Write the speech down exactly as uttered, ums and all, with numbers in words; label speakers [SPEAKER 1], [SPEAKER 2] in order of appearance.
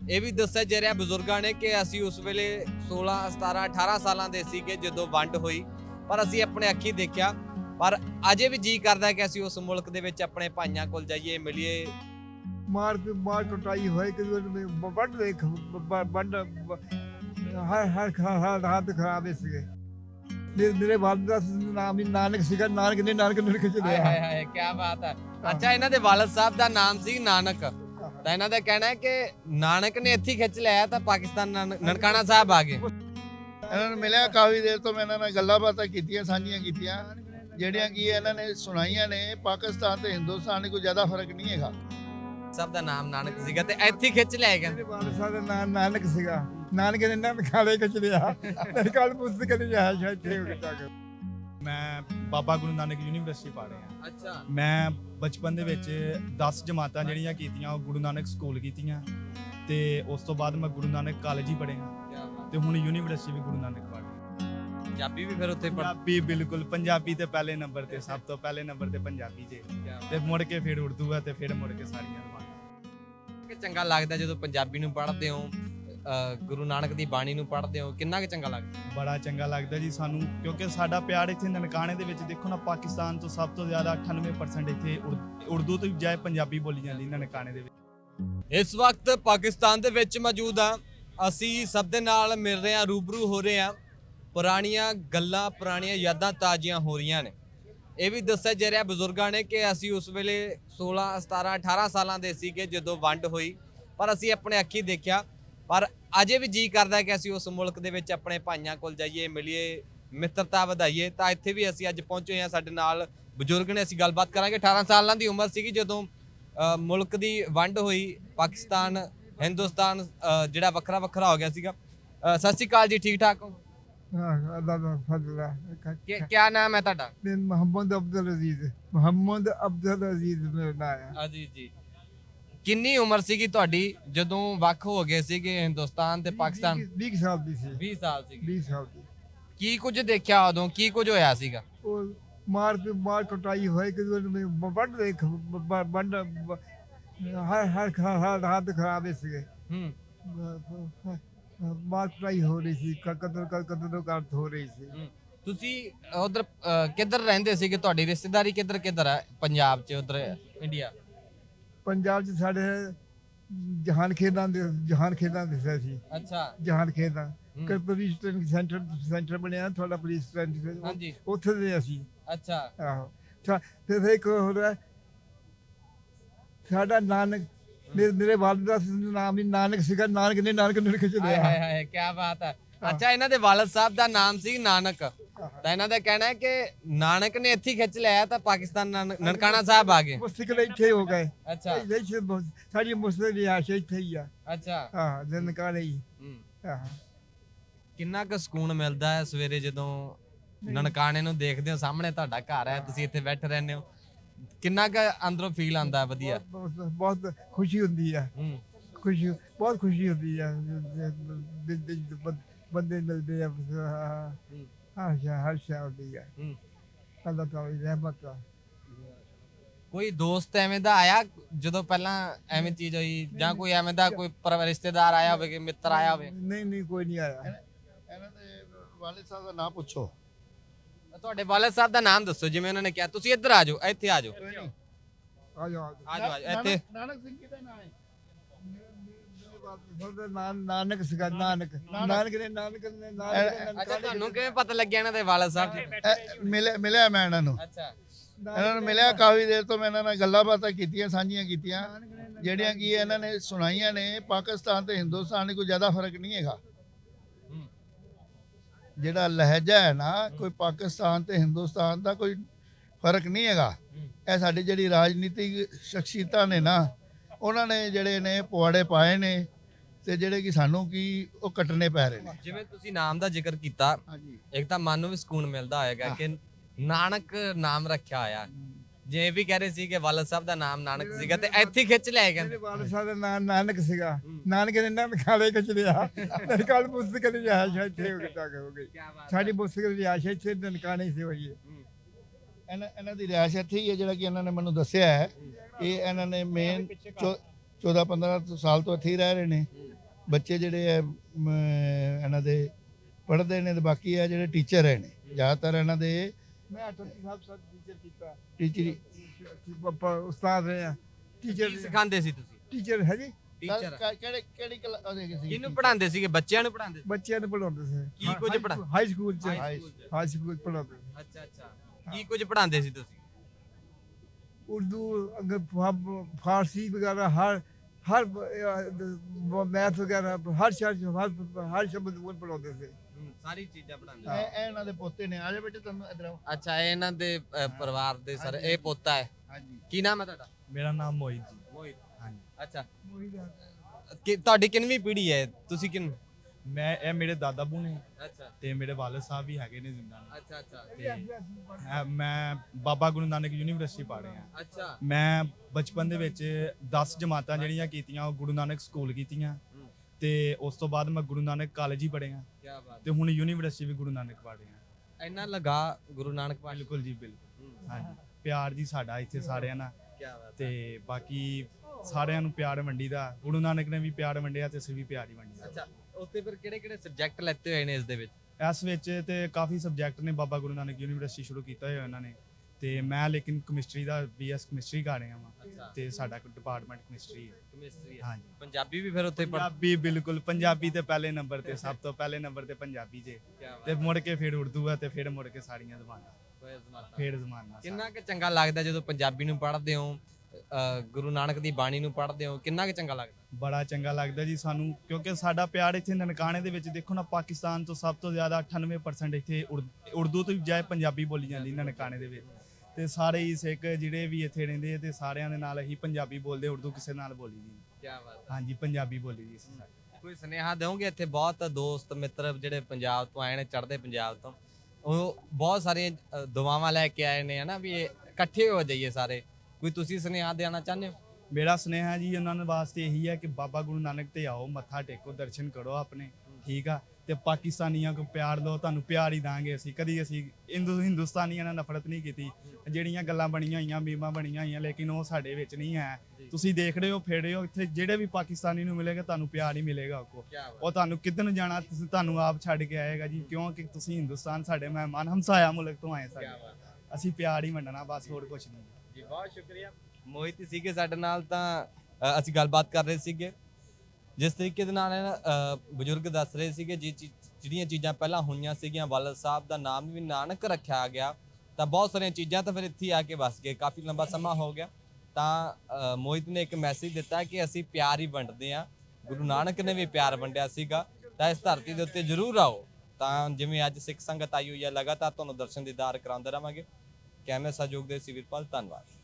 [SPEAKER 1] ਇਹ ਵੀ ਦੱਸਿਆ ਜਾ ਰਿਹਾ ਬਜ਼ੁਰਗਾਂ ਨੇ ਕਿ ਅਸੀਂ ਉਸ ਵੇਲੇ सोलह सतारह अठारह ਸਾਲਾਂ ਦੇ ਸੀਗੇ ਜਦੋਂ ਵੰਡ ਹੋਈ, ਪਰ ਅਸੀਂ ਆਪਣੇ ਅੱਖੀਂ ਦੇਖਿਆ। ਪਰ ਅਜੇ ਵੀ ਜੀ ਕਰਦਾ ਕਿ ਅਸੀਂ ਉਸ ਮੁਲਕ ਦੇ ਵਿੱਚ ਆਪਣੇ ਭਾਈਆਂ ਕੋਲ ਜਾਈਏ, ਮਿਲੀਏ।
[SPEAKER 2] ਮਾਰ ਕੇ ਮਾਰ ਕੁਟਾਈ ਹੋਏ ਕਿ ਵੱਡ ਦੇਖ ਵੱਡ ਹਰ ਹਰ ਹਰ ਹੱਥ ਖਰਾਬ ਸੀਗੇ। ਮੇਰੇ ਵਾਲਦ ਦਾ ਨਾਮ ਹੀ ਨਾਨਕ ਸੀਗਾ। ਨਾਨਕ ਨੇ ਨਾਨਕ ਨੂੰ ਖਿੱਚ
[SPEAKER 1] ਹਾਏ
[SPEAKER 2] ਲਿਆ।
[SPEAKER 1] ਹਾਏ ਹਾਏ ਕੀ ਬਾਤ ਹੈ। ਅੱਛਾ, ਇਹਨਾਂ ਦੇ ਵਾਲਦ ਸਾਹਿਬ ਦਾ ਨਾਮ ਸੀ ਨਾਨਕ, ਤਾਂ ਇਹਨਾਂ ਦਾ ਕਹਿਣਾ ਹੈ ਕਿ ਨਾਨਕ ਨੇ ਇੱਥੇ ਖਿੱਚ ਲਿਆ ਤਾਂ ਪਾਕਿਸਤਾਨ ਨਨਕਾਣਾ ਸਾਹਿਬ ਆ ਗਏ।
[SPEAKER 3] ਇਹਨਾਂ ਨੂੰ ਮਿਲਿਆ ਕਾਫੀ ਦੇਰ ਤੋਂ, ਮੈਂ ਇਹਨਾਂ ਨਾਲ ਗੱਲਾਂ ਬਾਤਾਂ ਕੀਤੀਆਂ, ਸਾਂਝੀਆਂ ਕੀਤੀਆਂ, ਜਿਹੜੀਆਂ ਕਿ ਇਹਨਾਂ ਨੇ ਸੁਣਾਈਆਂ ਨੇ। ਪਾਕਿਸਤਾਨ ਤੇ ਹਿੰਦੁਸਤਾਨ ਵਿੱਚ ਕੋਈ ਜ਼ਿਆਦਾ ਫਰਕ ਨਹੀਂ ਹੈਗਾ।
[SPEAKER 1] ਸਭ ਦਾ ਨਾਮ ਨਾਨਕ ਸੀਗਾ ਤੇ ਇੱਥੇ ਖਿੱਚ ਲਿਆ ਗਿਆ।
[SPEAKER 2] ਮੇਰੇ ਵਾਲਦ ਸਾਹਿਬ ਦਾ ਨਾਮ ਨਾਨਕ ਸੀਗਾ। ਨਾਨਕ ਨੇ ਨਾਨਕ ਖਾਲੇ ਖਿੱਚ ਲਿਆ। ਨਨਕਾਲ ਪੁਸਤਕ ਨਹੀਂ ਆਇਆ ਸ਼ਾਇਦ ਤੇ ਹੋ ਗਿਆ।
[SPEAKER 4] ਮੈਂ ਬਾਬਾ ਗੁਰੂ ਨਾਨਕ ਯੂਨੀਵਰਸਿਟੀ ਪੜ੍ਹ ਰਿਹਾ।
[SPEAKER 1] ਅੱਛਾ,
[SPEAKER 4] ਮੈਂ ਬਚਪਨ ਦੇ ਵਿੱਚ ਦਸ ਜਮਾਤਾਂ ਜਿਹੜੀਆਂ ਕੀਤੀਆਂ ਉਹ ਗੁਰੂ ਨਾਨਕ ਸਕੂਲ ਕੀਤੀਆਂ, ਤੇ ਉਸ ਤੋਂ ਬਾਅਦ ਮੈਂ ਗੁਰੂ ਨਾਨਕ ਕਾਲਜ ਹੀ ਪੜ੍ਹਿਆ, ਤੇ ਹੁਣ ਯੂਨੀਵਰਸਿਟੀ ਵੀ ਗੁਰੂ ਨਾਨਕ ਪੜ੍ਹ ਰਿਹਾ।
[SPEAKER 1] ਪੰਜਾਬੀ ਵੀ ਫਿਰ ਉੱਥੇ ਪੜ੍ਹ
[SPEAKER 4] ਪੰਜਾਬੀ ਬਿਲਕੁਲ, ਪੰਜਾਬੀ ਤੇ ਪਹਿਲੇ ਨੰਬਰ ਤੇ, ਸਭ ਤੋਂ ਪਹਿਲੇ ਨੰਬਰ ਤੇ ਪੰਜਾਬੀ ਜੇ, ਤੇ ਮੁੜ ਕੇ ਫਿਰ ਉਰਦੂ ਹੈ, ਤੇ ਫਿਰ ਮੁੜ ਕੇ ਸਾਰੀਆਂ ਜ਼ਬਾਨਾਂ।
[SPEAKER 1] ਕਿ ਚੰਗਾ ਲੱਗਦਾ ਜਦੋਂ ਪੰਜਾਬੀ ਨੂੰ ਪੜ੍ਹਦੇ ਹੋ, ਗੁਰੂ ਨਾਨਕ ਦੀ ਬਾਣੀ ਨੂੰ ਪੜ੍ਹਦੇ ਹੋ, ਕਿੰਨਾ ਕਿ ਚੰਗਾ ਲੱਗਦਾ?
[SPEAKER 4] ਬੜਾ ਚੰਗਾ ਲੱਗਦਾ ਜੀ ਸਾਨੂੰ, ਕਿਉਂਕਿ ਸਾਡਾ ਪਿਆਰ ਇੱਥੇ ਨਨਕਾਣੇ ਦੇ ਵਿੱਚ ਦੇਖੋ ਨਾ, ਪਾਕਿਸਤਾਨ ਤੋਂ ਸਭ ਤੋਂ ਜ਼ਿਆਦਾ ਅਠਾਨਵੇਂ ਪਰਸੈਂਟ ਇੱਥੇ ਉਰਦੂ ਤੋਂ ਜਾਏ ਪੰਜਾਬੀ ਬੋਲੀ ਜਾਂਦੀ ਨਨਕਾਣੇ ਦੇ ਵਿੱਚ।
[SPEAKER 1] ਇਸ ਵਕਤ ਪਾਕਿਸਤਾਨ ਦੇ ਵਿੱਚ ਮੌਜੂਦ ਆ, ਅਸੀਂ ਸਭ ਦੇ ਨਾਲ ਮਿਲ ਰਹੇ ਹਾਂ, ਰੂਬਰੂ ਹੋ ਰਹੇ ਹਾਂ। ਪੁਰਾਣੀਆਂ ਗੱਲਾਂ, ਪੁਰਾਣੀਆਂ ਯਾਦਾਂ ਤਾਜ਼ੀਆਂ ਹੋ ਰਹੀਆਂ ਨੇ। ਇਹ ਵੀ ਦੱਸਿਆ ਜਾ ਰਿਹਾ ਬਜ਼ੁਰਗਾਂ ਨੇ ਕਿ ਅਸੀਂ ਉਸ ਵੇਲੇ सोलह सतारह अठारह ਸਾਲਾਂ ਦੇ ਸੀਗੇ ਜਦੋਂ ਵੰਡ ਹੋਈ, ਪਰ ਅਸੀਂ ਆਪਣੇ ਅੱਖੀਂ ਦੇਖਿਆ। ਪਰ ਅਜੇ ਵੀ ਜੀ ਕਰਦਾ ਕਿ ਅਸੀਂ ਉਸ ਮੁਲਕ ਦੇ ਵਿੱਚ ਆਪਣੇ ਭਾਈਆਂ ਕੋਲ ਜਾਈਏ, ਮਿਲੀਏ, ਮਿੱਤਰਤਾ ਵਧਾਈਏ। ਤਾਂ ਇੱਥੇ ਵੀ ਅਸੀਂ ਅੱਜ ਪਹੁੰਚੇ ਹਾਂ, ਸਾਡੇ ਨਾਲ ਬਜ਼ੁਰਗ ਨੇ, ਅਸੀਂ ਗੱਲਬਾਤ ਕਰਾਂਗੇ। ਅਠਾਰਾਂ ਸਾਲਾਂ ਦੀ ਉਮਰ ਸੀਗੀ ਜਦੋਂ ਮੁਲਕ ਦੀ ਵੰਡ ਹੋਈ, ਪਾਕਿਸਤਾਨ ਹਿੰਦੁਸਤਾਨ ਜਿਹੜਾ ਵੱਖਰਾ ਵੱਖਰਾ ਹੋ ਗਿਆ ਸੀਗਾ। ਸਤਿ ਸ਼੍ਰੀ ਅਕਾਲ ਜੀ, ਠੀਕ ਠਾਕ ਹੋ?
[SPEAKER 2] ਹਾਂ, ਅੱਲਾ ਦਾ ਫਜ਼ਲ ਹੈ।
[SPEAKER 1] ਕੀ ਕੀ ਨਾਮ ਹੈ ਤੁਹਾਡਾ?
[SPEAKER 2] ਮੁਹੰਮਦ ਅਬਦੁਲ ਅਜ਼ੀਜ਼। ਮੁਹੰਮਦ ਅਬਦੁਲ ਅਜ਼ੀਜ਼ ਮੇਰਾ ਨਾਮ ਹੈ।
[SPEAKER 1] ਜੀ ਜੀ। ਕਿੰਨੀ ਉਮਰ ਸੀਗੀ ਤੁਹਾਡੀ ਜਦੋਂ ਵੱਖ ਹੋ ਗਏ ਸੀਗੇ ਹਿੰਦੁਸਤਾਨ ਤੇ ਪਾਕਿਸਤਾਨ?
[SPEAKER 2] ਵੀਹ ਸਾਲ ਦੀ ਸੀ।
[SPEAKER 1] ਵੀਹ ਸਾਲ ਸੀਗੀ।
[SPEAKER 2] ਵੀਹ ਸਾਲ ਦੀ।
[SPEAKER 1] ਕੀ ਕੁਝ ਦੇਖਿਆ ਉਦੋਂ, ਕੀ ਕੁਝ ਹੋਇਆ ਸੀਗਾ?
[SPEAKER 2] ਉਹ ਮਾਰ ਕੇ ਮਾਰ ਕੁਟਾਈ ਹੋਏ ਕਿ ਵੱਡ ਦੇਖ ਵੱਡ ਹਰ ਹਰ ਹਰ ਹੱਥ ਖਰਾਬ ਸੀਗੇ।
[SPEAKER 1] ਹੂੰ।
[SPEAKER 2] ਮਾਰ ਕੁਟਾਈ ਹੋ ਰਹੀ ਸੀ, ਕਤਲ ਕਤਲ ਕਰਤ ਹੋ ਰਹੀ ਸੀ।
[SPEAKER 1] ਤੁਸੀਂ ਉਧਰ ਕਿੱਧਰ ਰਹਿੰਦੇ ਸੀਗੇ? ਤੁਹਾਡੀ ਰਿਸ਼ਤੇਦਾਰੀ ਕਿੱਧਰ ਕਿੱਧਰ ਹੈ ਪੰਜਾਬ 'ਚ, ਉਧਰ ਇੰਡੀਆ?
[SPEAKER 2] ਪੰਜਾਬ 'ਚ ਸਾਡੇ ਜਹਾਨ ਖੇਦਾਂ ਦੇ ਜਹਾਨ ਖੇਦਾਂ ਦਿਸਿਆ ਸੀ।
[SPEAKER 1] ਅੱਛਾ,
[SPEAKER 2] ਜਹਾਨ ਖੇਦਾਂ ਕਿ ਪੁਲਿਸ ਟ੍ਰੇਨਿੰਗ ਸੈਂਟਰ ਸੈਂਟਰ ਬਣਿਆ ਤੁਹਾਡਾ, ਪੁਲਿਸ ਟ੍ਰੇਨਿੰਗ
[SPEAKER 1] ਹਾਂਜੀ,
[SPEAKER 2] ਉੱਥੇ ਦੇ ਅਸੀਂ।
[SPEAKER 1] ਅੱਛਾ,
[SPEAKER 2] ਆਹੋ। ਫਿਰ ਇੱਕ ਹੋ ਰਿਹਾ ਸਾਡਾ ਨਾਨਕ, ਮੇਰੇ ਮੇਰੇ ਵਾਲਦ ਦਾ ਨਾਮ ਹੀ ਨਾਨਕ ਸੀਗਾ। ਨਾਨਕ ਨੇ ਨਾਨਕ ਨੂੰ ਖਿੱਚ
[SPEAKER 1] ਹਾਏ
[SPEAKER 2] ਲਿਆ।
[SPEAKER 1] ਹਾਏ ਹਾਏ ਕੀ ਬਾਤ ਹੈ। ਅੱਛਾ, ਇਹਨਾਂ ਦੇ ਵਾਲਦ ਸਾਹਿਬ ਦਾ ਨਾਮ ਸੀ ਨਾਨਕ, ਤਾਂ ਇਹਨਾਂ ਦਾ ਕਹਿਣਾ ਹੈ ਕਿ ਨਾਨਕ ਨੇ ਇੱਥੇ ਖਿੱਚ ਲਿਆ ਤਾਂ ਪਾਕਿਸਤਾਨ ਨਨਕਾਣਾ ਸਾਹਿਬ ਆ ਗਏ।
[SPEAKER 2] ਮੁਸਤਕਿਲ ਇੱਥੇ ਹੋ ਗਏ।
[SPEAKER 1] ਅੱਛਾ,
[SPEAKER 2] ਸਾਡੀ ਮੁਸਤਕਿਲ ਰਿਹਾਇਸ਼ ਇੱਥੇ ਹੀ ਆ।
[SPEAKER 1] ਅੱਛਾ,
[SPEAKER 2] ਹਾਂ, ਨਨਕਾਣੇ ਹੀ। ਹਾਂ।
[SPEAKER 1] ਕਿੰਨਾ ਕੁ ਸਕੂਨ ਮਿਲਦਾ ਹੈ ਸਵੇਰੇ ਜਦੋਂ ਨਨਕਾਣੇ ਨੂੰ ਦੇਖਦੇ ਹੋ, ਸਾਹਮਣੇ ਤੁਹਾਡਾ ਘਰ ਹੈ, ਤੁਸੀਂ ਇੱਥੇ ਬੈਠੇ ਰਹਿੰਦੇ ਹੋ, ਕਿੰਨਾ ਕੁ ਅੰਦਰੋਂ ਫੀਲ ਆਉਂਦਾ? ਵਧੀਆ,
[SPEAKER 2] ਬਹੁਤ ਬਹੁਤ ਖੁਸ਼ੀ ਹੁੰਦੀ ਆ।
[SPEAKER 1] ਹੂੰ,
[SPEAKER 2] ਖੁਸ਼ੀ ਬਹੁਤ ਖੁਸ਼ੀ ਹੁੰਦੀ ਆ। ਬੰਦੇ ਮਿਲਦੇ ਆ, ਹਰ ਸ਼ਾ ਹਰ ਸ਼ਾ ਹੁੰਦੀ ਆ।
[SPEAKER 1] ਹੂੰ।
[SPEAKER 2] ਅੱਲਾਹ ਤਾਲਾ ਦੀ ਰਹਿਮਤ ਆ।
[SPEAKER 1] ਕੋਈ ਦੋਸਤ ਐਵੇਂ ਦਾ ਆਇਆ ਜਦੋਂ ਪਹਿਲਾਂ ਐਵੇਂ ਚੀਜ਼ ਹੋਈ, ਜਾਂ ਕੋਈ ਐਵੇਂ ਦਾ ਕੋਈ ਪਰ ਰਿਸ਼ਤੇਦਾਰ ਆਇਆ ਹੋਵੇ, ਕਿ ਮਿੱਤਰ ਆਇਆ ਹੋਵੇ?
[SPEAKER 2] ਨਹੀਂ ਨਹੀਂ, ਕੋਈ ਨਹੀਂ ਆਇਆ।
[SPEAKER 3] ਇਹਨਾਂ ਦੇ ਵਾਲਿਦ ਸਾਹਿਬ ਦਾ ਨਾਂ ਪੁੱਛੋ।
[SPEAKER 1] ਤੁਹਾਡੇ ਵਾਲਦ ਸਾਹਿਬ ਦਾ ਨਾਮ ਦੱਸੋ, ਜਿਵੇਂ ਉਹਨਾਂ ਨੇ ਕਿਹਾ। ਤੁਸੀਂ ਇੱਧਰ ਆ ਜਾਓ, ਇੱਥੇ ਆ ਜਾਓ,
[SPEAKER 2] ਆ ਜਾਓ ਆ ਜਾਓ।
[SPEAKER 1] ਆ ਜਾਓ ਇੱਥੇ।
[SPEAKER 3] ਨਾਨਕ ਸਿੰਘ ਕਿਹਦਾ ਨਾਮ ਹੈ?
[SPEAKER 2] ਨਾਮ ਨਾਨਕ ਸੀਗਾ। ਨਾਨਕ ਨਾਨਕ ਨੇ ਨਾਨਕ ਨੇ ਨਾਨਕ।
[SPEAKER 1] ਅੱਛਾ, ਤੁਹਾਨੂੰ ਕਿਵੇਂ ਪਤਾ ਲੱਗਿਆ ਇਹਨਾਂ ਦੇ ਵਾਲਦ ਸਾਹਿਬ?
[SPEAKER 3] ਇਹ ਮਿਲਿਆ ਮਿਲਿਆ ਮੈਂ ਇਹਨਾਂ ਨੂੰ।
[SPEAKER 1] ਅੱਛਾ,
[SPEAKER 3] ਇਹਨਾਂ ਨੂੰ ਮਿਲਿਆ ਕਾਫੀ ਦੇਰ ਤੋਂ, ਮੈਂ ਇਹਨਾਂ ਨਾਲ ਗੱਲਾਂ ਬਾਤਾਂ ਕੀਤੀਆਂ, ਸਾਂਝੀਆਂ ਕੀਤੀਆਂ, ਜਿਹੜੀਆਂ ਕਿ ਇਹਨਾਂ ਨੇ ਸੁਣਾਈਆਂ ਨੇ। ਪਾਕਿਸਤਾਨ ਤੇ ਹਿੰਦੁਸਤਾਨ ਵਿੱਚ ਕੋਈ ਜ਼ਿਆਦਾ ਫਰਕ ਨਹੀਂ ਹੈਗਾ। ਜਿਹੜਾ ਲਹਿਜਾ ਹੈ ਨਾ, ਕੋਈ ਪਾਕਿਸਤਾਨ ਤੇ ਹਿੰਦੁਸਤਾਨ ਦਾ ਕੋਈ ਫਰਕ ਨਹੀਂ ਹੈਗਾ। ਇਹ ਸਾਡੀ ਜਿਹੜੀ ਰਾਜਨੀਤਿਕ ਸ਼ਖਸੀਅਤਾਂ ਨੇ ਨਾ, ਉਹਨਾਂ ਨੇ ਜਿਹੜੇ ਨੇ ਪੁਆੜੇ ਪਾਏ ਨੇ, ਤੇ ਜਿਹੜੇ ਕਿ ਸਾਨੂੰ ਕੀ ਉਹ ਕੱਟਣੇ ਪੈ ਰਹੇ ਨੇ।
[SPEAKER 1] ਜਿਵੇਂ ਤੁਸੀਂ ਨਾਮ ਦਾ ਜ਼ਿਕਰ ਕੀਤਾ,
[SPEAKER 3] ਹਾਂਜੀ,
[SPEAKER 1] ਇੱਕ ਤਾਂ ਮਨ ਨੂੰ ਵੀ ਸਕੂਨ ਮਿਲਦਾ ਹੋਏਗਾ ਕਿ ਨਾਨਕ ਨਾਮ ਰੱਖਿਆ ਹੋਇਆ। ਜੇ ਵੀ ਕਹਿ ਰਹੇ ਸੀ ਕਿ ਵਾਲਦ ਸਾਹਿਬ ਦਾ ਨਾਮ ਨਾਨਕ ਸੀਗਾ ਤੇ ਇੱਥੇ ਖਿੱਚ ਲਿਆ ਗਿਆ।
[SPEAKER 2] ਮੇਰੇ ਵਾਲਦ ਸਾਹਿਬ ਦਾ ਨਾਮ ਨਾਨਕ ਸੀਗਾ। ਨਾਨਕ ਨੇ ਨਾਨਕ ਖਾਲੇ ਖਿੱਚ ਲਿਆ। ਨਨਕਾਲ ਪੁਸਤਕ ਦੀ ਰਿਹਾਇਸ਼ ਇੱਥੇ ਹੋ ਗਈ। ਸਾਡੀ ਮੁਸਤਕਿਲ ਰਿਹਾਇਸ਼ ਇੱਥੇ ਨਨਕਾਣੇ ਸੀ ਹੋਈ ਹੈ।
[SPEAKER 3] ਇਹਨਾਂ ਇਹਨਾਂ ਦੀ ਰਿਹਾਇਸ਼ ਇੱਥੇ ਹੀ ਹੈ। ਜਿਹੜਾ ਕਿ ਇਹਨਾਂ ਨੇ ਮੈਨੂੰ ਦੱਸਿਆ ਹੈ, ਇਹ ਇਹਨਾਂ ਨੇ ਮੇਨ ਚੌਦਾਂ ਪੰਦਰਾਂ ਸਾਲ ਤੋਂ ਇੱਥੇ ਹੀ ਰਹਿ ਰਹੇ ਨੇ, ਬੱਚੇ ਜਿਹੜੇ ਆ ਮ, ਇਹਨਾਂ ਦੇ ਪੜ੍ਹਦੇ ਨੇ ਤੇ ਬਾਕੀ ਆ ਜਿਹੜੇ ਟੀਚਰ ਹੈ ਨੇ ਜ਼ਿਆਦਾਤਰ ਇਹਨਾਂ ਦੇ
[SPEAKER 2] ਮੈਂ ਅਠੱਤੀ ਸਾਹਿਬ ਸਭ ਟੀਚਰ ਕੀਤਾ
[SPEAKER 3] ਟੀਚਰੀ
[SPEAKER 2] ਪਾਪਾ ਉਸਤਾਦ ਰਹੇ ਆ ਟੀਚਰ
[SPEAKER 1] ਕੀ ਸਿਖਾਉਂਦੇ ਸੀ ਤੁਸੀਂ
[SPEAKER 2] ਟੀਚਰ ਹੈ ਜੀ
[SPEAKER 1] ਟੀਚਰ
[SPEAKER 3] ਕਿਹੜੇ ਕਿਹੜੀ ਕਲਾ ਉਹਦੇ ਕਿਸੇ
[SPEAKER 1] ਕਿਹਨੂੰ ਪੜਾਉਂਦੇ ਸੀਗੇ ਬੱਚਿਆਂ ਨੂੰ ਪੜਾਉਂਦੇ ਸੀ
[SPEAKER 2] ਬੱਚਿਆਂ ਨੂੰ ਪੜਾਉਂਦੇ ਸੀ
[SPEAKER 1] ਕੀ ਕੁਝ ਪੜ੍ਹਾ-
[SPEAKER 2] ਹਾਈ ਸਕੂਲ ਚ
[SPEAKER 1] ਹਾਈ ਸਕੂਲ ਚ।
[SPEAKER 2] ਹਾਈ ਸਕੂਲ ਪੜਾਉਂਦੇ ਸੀ
[SPEAKER 1] ਅੱਛਾ ਅੱਛਾ ਕੀ ਕੁਝ ਪੜਾਉਂਦੇ ਸੀ ਤੁਸੀਂ
[SPEAKER 2] उर्दू अगर फा- फारसी वगैरह हर हर मैथ वगैरह हर शब्द हर हर शब्द वो पढ़ाते थे
[SPEAKER 1] ਸਾਰੀ ਚੀਜ਼ਾਂ ਪੜਾਉਂਦੇ
[SPEAKER 3] ਇਹ ਇਹ ਇਹਨਾਂ ਦੇ ਪੋਤੇ ਨੇ ਆਜੇ ਬੇਟੇ ਤੁਹਾਨੂੰ ਇਧਰ ਆਓ
[SPEAKER 1] ਅੱਛਾ ਇਹ ਇਹਨਾਂ ਦੇ ਅ, ਪਰਿਵਾਰ ਦੇ ਸਰ ਇਹ ਪੋਤਾ ਹੈ
[SPEAKER 3] ਹਾਂਜੀ
[SPEAKER 1] ਕੀ ਨਾਮ ਹੈ ਤੁਹਾਡਾ
[SPEAKER 4] ਮੇਰਾ ਨਾਮ ਮੋਹਿਤ ਜੀ
[SPEAKER 1] ਮੋਹਿਤ
[SPEAKER 4] ਹਾਂਜੀ
[SPEAKER 1] ਅੱਛਾ ਕਿ ਤੁਹਾਡੀ ਕਿੰਨਵੀਂ ਪੀੜ੍ਹੀ ਹੈ ਤੁਸੀਂ ਕਿੰਨ
[SPEAKER 4] ਮੈਂ ਇਹ ਮੇਰੇ ਦਾਦਾ ਬੂ ਨੇ
[SPEAKER 1] ਅੱਛਾ
[SPEAKER 4] ਤੇ ਮੇਰੇ ਵਾਲਦ ਸਾਹਿਬ ਵੀ ਹੈਗੇ ਨੇ ਜ਼ਿੰਦਾ ਨੇ
[SPEAKER 1] ਅੱਛਾ ਅੱਛਾ
[SPEAKER 4] ਤੇ ਇਹ ਮੈਂ ਬਾਬਾ ਗੁਰੂ ਨਾਨਕ ਯੂਨੀਵਰਸਿਟੀ ਪੜ੍ਹ ਰਿਹਾ
[SPEAKER 1] ਅੱਛਾ
[SPEAKER 4] ਮੈਂ ਬਚਪਨ ਦੇ ਵਿੱਚ ਦਸ ਜਮਾਤਾਂ ਜਿਹੜੀਆਂ ਕੀਤੀਆਂ ਉਹ ਗੁਰੂ ਨਾਨਕ ਸਕੂਲ ਕੀਤੀਆਂ
[SPEAKER 1] ਹੂੰ।
[SPEAKER 4] ਤੇ ਉਸ ਤੋਂ ਬਾਅਦ ਮੈਂ ਗੁਰੂ ਨਾਨਕ ਕਾਲਜ ਹੀ ਪੜ੍ਹਿਆ
[SPEAKER 1] ਕੀ ਬਾਤ
[SPEAKER 4] ਤੇ ਹੁਣ ਯੂਨੀਵਰਸਿਟੀ ਵੀ ਗੁਰੂ ਨਾਨਕ ਪੜ੍ਹ ਰਿਹਾ
[SPEAKER 1] ਇੰਨਾ ਲਗਾ ਗੁਰੂ ਨਾਨਕ ਪਾਤਸ਼ਾਹ
[SPEAKER 4] ਬਿਲਕੁਲ ਜੀ ਬਿਲਕੁਲ ਹਾਂਜੀ ਪਿਆਰ ਜੀ ਸਾਡਾ ਇੱਥੇ ਸਾਰਿਆਂ ਨਾਲ
[SPEAKER 1] ਕੀ ਬਾਤ
[SPEAKER 4] ਤੇ ਬਾਕੀ ਸਾਰਿਆਂ ਨੂੰ ਪਿਆਰ ਵੰਡੀ ਦਾ ਗੁਰੂ ਨਾਨਕ ਨੇ ਵੀ ਪਿਆਰ ਵੰਡਿਆ ਤੇ ਅਸੀਂ ਵੀ ਪਿਆਰ ਹੀ ਵੰਡੀ ਦਾ
[SPEAKER 1] ਅੱਛਾ ਉੱਥੇ ਫਿਰ ਕਿਹੜੇ ਕਿਹੜੇ ਸਬਜੈਕਟ ਲੈਤੇ ਹੋਏ ਨੇ ਇਸ ਦੇ ਵਿੱਚ
[SPEAKER 4] ਇਸ ਵਿੱਚ ਤੇ ਕਾਫੀ ਸਬਜੈਕਟ ਨੇ ਬਾਬਾ ਗੁਰੂ ਨਾਨਕ ਯੂਨੀਵਰਸਿਟੀ ਸ਼ੁਰੂ ਕੀਤਾ ਹੋਇਆ ਇਹਨਾਂ ਨੇ ਤੇ ਮੈਂ ਲੇਕਿਨ ਕੈਮਿਸਟਰੀ ਦਾ ਬੀਐਸ ਕੈਮਿਸਟਰੀ ਕਰ ਰਿਹਾ ਹਾਂ
[SPEAKER 1] ਅੱਛਾ
[SPEAKER 4] ਤੇ ਸਾਡਾ ਡਿਪਾਰਟਮੈਂਟ ਕੈਮਿਸਟਰੀ ਹੈ
[SPEAKER 1] ਕੈਮਿਸਟਰੀ
[SPEAKER 4] ਹਾਂਜੀ
[SPEAKER 1] ਪੰਜਾਬੀ ਵੀ ਫਿਰ ਉੱਥੇ ਪੜ੍ਹ
[SPEAKER 4] ਪੰਜਾਬੀ ਬਿਲਕੁਲ ਪੰਜਾਬੀ ਤੇ ਪਹਿਲੇ ਨੰਬਰ ਤੇ ਸਭ ਤੋਂ ਪਹਿਲੇ ਨੰਬਰ ਤੇ ਪੰਜਾਬੀ ਜੇ
[SPEAKER 1] ਕੀ ਬਾਤ
[SPEAKER 4] ਤੇ ਮੁੜ ਕੇ ਫਿਰ ਉਰਦੂ ਹੈ ਤੇ ਫਿਰ ਮੁੜ ਕੇ ਸਾਰੀਆਂ ਜ਼ਬਾਨਾਂ
[SPEAKER 1] ਕੋਈ ਜ਼ਮਾਨਾ
[SPEAKER 4] ਫਿਰ ਜ਼ਮਾਨਾ
[SPEAKER 1] ਕਿੰਨਾ ਕੁ ਚੰਗਾ ਲੱਗਦਾ ਜਦੋਂ ਪੰਜਾਬੀ ਨੂੰ ਪੜ੍ਹਦੇ ਹੋ ਅ, ਗੁਰੂ ਨਾਨਕ ਦੀ ਬਾਣੀ ਨੂੰ ਪੜ੍ਹਦੇ ਹੋ ਕਿੰਨਾ ਕੁ ਚੰਗਾ ਲੱਗਦਾ
[SPEAKER 4] ਬੜਾ ਚੰਗਾ ਲੱਗਦਾ ਜੀ ਸਾਨੂੰ ਕਿਉਂਕਿ ਸਾਡਾ ਪਿਆਰ ਇੱਥੇ ਨਨਕਾਣੇ ਦੇ ਵਿੱਚ ਦੇਖੋ ਨਾ ਪਾਕਿਸਤਾਨ ਤੋਂ ਸਭ ਤੋਂ ਜ਼ਿਆਦਾ ਅਠੱਨਵੇਂ ਪਰਸੈਂਟ ਇੱਥੇ ਉਰ- ਉਰਦੂ ਤੋਂ ਬਜਾਏ ਪੰਜਾਬੀ ਬੋਲੀ ਜਾਂਦੀ ਨਨਕਾਣੇ ਦੇ ਵਿੱਚ ਤੇ ਸਾਰੇ ਹੀ ਸਿੱਖ ਜਿਹੜੇ ਵੀ ਇੱਥੇ ਰਹਿੰਦੇ ਆ ਤੇ ਸਾਰਿਆਂ ਦੇ ਨਾਲ ਹੀ ਪੰਜਾਬੀ ਬੋਲਦੇ ਉਰਦੂ ਕਿਸੇ ਨਾਲ ਬੋਲੀ ਨਹੀਂ
[SPEAKER 1] ਕੀ ਬਾਤ
[SPEAKER 4] ਹਾਂਜੀ ਪੰਜਾਬੀ ਬੋਲੀ ਦੀ ਅਸੀਂ ਸਾਡੀ।
[SPEAKER 1] ਕੋਈ ਸੁਨੇਹਾ ਦਿਓਗੇ ਇੱਥੇ ਬਹੁਤ ਦੋਸਤ ਮਿੱਤਰ ਜਿਹੜੇ ਪੰਜਾਬ ਤੋਂ ਆਏ ਨੇ ਚੜ੍ਹਦੇ ਪੰਜਾਬ ਤੋਂ ਉਹ ਬਹੁਤ ਸਾਰੀਆਂ ਅ, ਦੁਆਵਾਂ ਲੈ ਕੇ ਆਏ ਨੇ ਹਨਾ ਵੀ ਇਹ ਇਕੱਠੇ ਹੋ ਜਾਈਏ ਸਾਰੇ ਕੋਈ ਤੁਸੀਂ ਸੁਨੇਹਾ ਦੇਣਾ ਚਾਹੁੰਦੇ ਹੋ
[SPEAKER 4] ਮੇਰਾ ਸੁਨੇਹਾ ਜੀ ਉਹਨਾਂ ਦੇ ਵਾਸਤੇ ਇਹੀ ਹੈ ਕਿ ਬਾਬਾ ਗੁਰੂ ਨਾਨਕ ਤੇ ਆਓ ਮੱਥਾ ਟੇਕੋ ਦਰਸ਼ਨ ਕਰੋ ਆਪਣੇ ਠੀਕ ਆ ਤੇ ਪਾਕਿਸਤਾਨੀਆਂ ਕੋ ਪਿਆਰ ਦਿਓ ਤੁਹਾਨੂੰ ਪਿਆਰ ਹੀ ਦਾਂਗੇ ਅਸੀਂ ਕਦੀ ਅਸੀਂ ਹਿੰਦੂ ਹਿੰਦੁਸਤਾਨੀਆਂ ਨਾਲ ਨਫ਼ਰਤ ਨਹੀਂ ਕੀਤੀ ਜਿਹੜੀਆਂ ਗੱਲਾਂ ਬਣੀਆਂ ਹੋਈਆਂ ਮੀਮਾਂ ਬਣੀਆਂ ਹੋਈਆਂ ਲੇਕਿਨ ਉਹ ਸਾਡੇ ਵਿੱਚ ਨਹੀਂ ਹੈ ਤੁਸੀਂ ਦੇਖ ਰਹੇ ਹੋ ਫੇਰ ਰਹੇ ਹੋ ਇੱਥੇ ਜਿਹੜੇ ਵੀ ਪਾਕਿਸਤਾਨੀ ਨੂੰ ਮਿਲੇਗਾ ਤੁਹਾਨੂੰ ਪਿਆਰ ਹੀ ਮਿਲੇਗਾ ਉਹ ਕੋ ਉਹ ਤੁਹਾਨੂੰ ਕਿੱਧਰ ਨੂੰ ਜਾਣਾ ਤੁਸੀਂ ਤੁਹਾਨੂੰ ਆਪ ਛੱਡ ਕੇ ਆਏਗਾ ਜੀ ਕਿਉਂਕਿ ਤੁਸੀਂ ਹਿੰਦੁਸਤਾਨ ਸਾਡੇ ਮਹਿਮਾਨ ਹਮਸਾਇਆ ਮੁਲਕ ਤੋਂ ਆਏ ਸਾਡੇ ਅਸੀਂ ਪਿਆਰ ਹੀ ਮੰਨਣਾ ਬਸ ਹੋਰ ਕੁਝ ਨਹੀਂ
[SPEAKER 1] ਜੀ ਬਹੁਤ ਸ਼ੁਕਰੀਆ ਮੋਹਿਤ ਸੀਗੇ ਸਾਡੇ ਨਾਲ ਤਾਂ ਅ, ਅਸੀਂ ਗੱਲਬਾਤ ਕਰ ਰਹੇ ਸੀਗੇ ਜਿਸ ਤਰੀਕੇ ਦੇ ਨਾਲ ਇਹ ਨਾ, ਅ, ਬਜ਼ੁਰਗ ਦੱਸ ਰਹੇ ਸੀਗੇ ਜੀ ਚੀ- ਜਿਹੜੀਆਂ ਚੀਜ਼ਾਂ ਪਹਿਲਾਂ ਹੋਈਆਂ ਸੀਗੀਆਂ ਵਾਲਦ ਸਾਹਿਬ ਦਾ ਨਾਮ ਵੀ ਨਾਨਕ ਰੱਖਿਆ ਗਿਆ ਤਾਂ ਬਹੁਤ ਸਾਰੀਆਂ ਚੀਜ਼ਾਂ ਤਾਂ ਫਿਰ ਇੱਥੇ ਆ ਕੇ ਵਸ ਗਏ ਕਾਫੀ ਲੰਬਾ ਸਮਾਂ ਹੋ ਗਿਆ ਤਾਂ ਅ, ਮੋਹਿਤ ਨੇ ਇੱਕ ਮੈਸੇਜ ਦਿੱਤਾ ਕਿ ਅਸੀਂ ਪਿਆਰ ਹੀ ਵੰਡਦੇ ਹਾਂ ਗੁਰੂ ਨਾਨਕ ਨੇ ਵੀ ਪਿਆਰ ਵੰਡਿਆ ਸੀਗਾ ਤਾਂ ਇਸ ਧਰਤੀ ਦੇ ਉੱਤੇ ਜ਼ਰੂਰ ਆਓ ਤਾਂ ਜਿਵੇਂ ਅੱਜ ਸਿੱਖ ਸੰਗਤ ਆਈ ਹੋਈ ਹੈ ਲਗਾਤਾਰ ਤੁਹਾਨੂੰ ਦਰਸ਼ਨ ਦੀਦਾਰ ਕਰਾਉਂਦੇ ਰਵਾਂਗੇ ਕੈਮਰੇ ਸਹਿਯੋਗ ਦੇ ਸੀ ਵੀਰਪਾਲ ਧੰਨਵਾਦ